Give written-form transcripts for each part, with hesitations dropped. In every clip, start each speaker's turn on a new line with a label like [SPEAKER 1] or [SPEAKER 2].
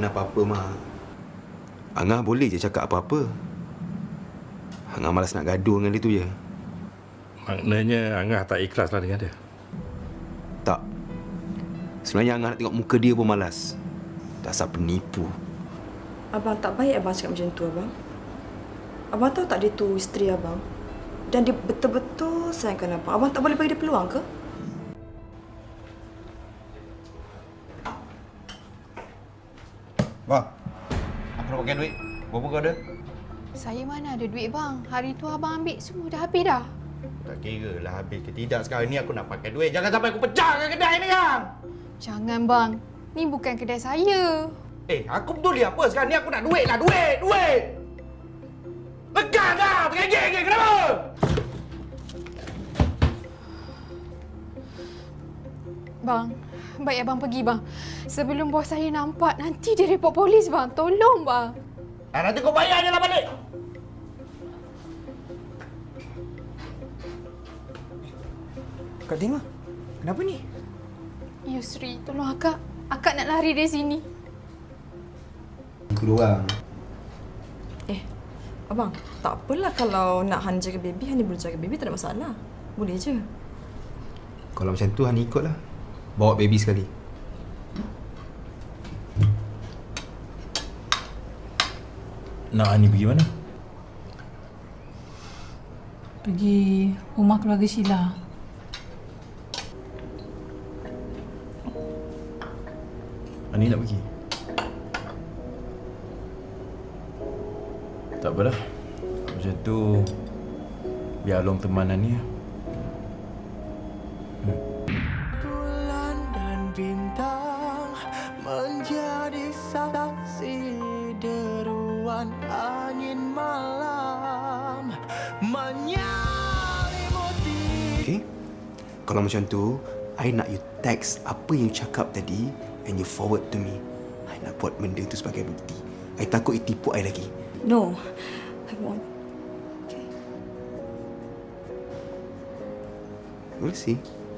[SPEAKER 1] mana apa-apa, Mak. Angah boleh je cakap apa-apa. Angah malas nak gaduh dengan dia tu je.
[SPEAKER 2] Maknanya Angah tak ikhlas lah dengan dia?
[SPEAKER 1] Tak. Sebenarnya Angah nak tengok muka dia pun malas. Dasar penipu.
[SPEAKER 3] Abang tak baik abang cakap macam tu, abang. Abang tahu tak dia tu isteri abang? Dan dia betul-betul sayangkan abang. Abang tak boleh bagi dia peluang ke?
[SPEAKER 4] Bang, aku nak pakai duit. Berapa kau ada?
[SPEAKER 5] Saya mana ada duit bang. Hari tu abang ambil semua dah habis dah.
[SPEAKER 4] Tak kira lah habis ke tidak. Sekarang ni aku nak pakai duit. Jangan sampai aku pecahkan kedai ni, kan?
[SPEAKER 5] Jangan bang. Ni bukan kedai saya.
[SPEAKER 4] Aku betul dia apa? Sekarang ni aku nak duit lah. Duit! Lekas dah! Tergigit-gigit, kenapa?
[SPEAKER 5] Bang, baik abang pergi bang. Sebelum bos saya nampak, nanti dia report polis bang. Tolong bang.
[SPEAKER 4] Nanti kau bayar je lah balik.
[SPEAKER 6] Kak Dima, kenapa ni?
[SPEAKER 5] Yusri, tolong akak. Akak nak lari dari sini.
[SPEAKER 1] Keluar.
[SPEAKER 3] Abang, tak apalah kalau nak Han jaga baby, Han boleh jaga baby, tak ada masalah. Boleh je.
[SPEAKER 1] Kalau macam tu, Han ikutlah. Bawa baby sekali.
[SPEAKER 2] Nak Ani pergi mana?
[SPEAKER 7] Pergi rumah keluarga Sheila.
[SPEAKER 2] Ani nak pergi? Tak apalah. Macam tu, biar Long teman Ani lah.
[SPEAKER 8] Bulan dan bintang menjadi saksi deruan angin malam menyelimuti.
[SPEAKER 1] Okay? Kalau macam tu, I nak you text apa yang you cakap tadi and you forward to me. I nak buat benda tu sebagai bukti. I takut you tipu I lagi.
[SPEAKER 3] No, I won't. Okay.
[SPEAKER 1] We'll see.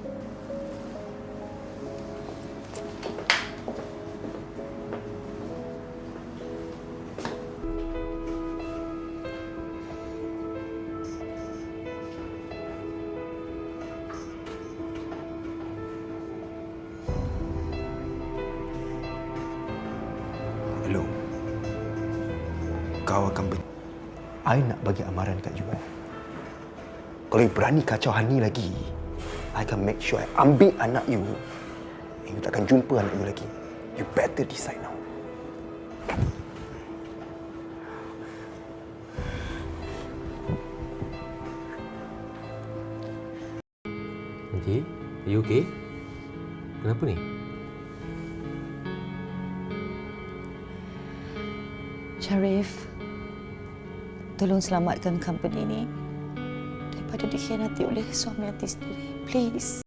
[SPEAKER 1] Hello. Kau akan I nak bagi amaran kat you. Kalau you berani kacau Hani lagi, I akan make sure I ambil anak you and you takkan jumpa anak you lagi. You better decide now.
[SPEAKER 9] Okay, are you okay? Kenapa ni?
[SPEAKER 10] Sharif, tolong selamatkan company ni daripada dikhianati oleh suami hati sendiri. Please.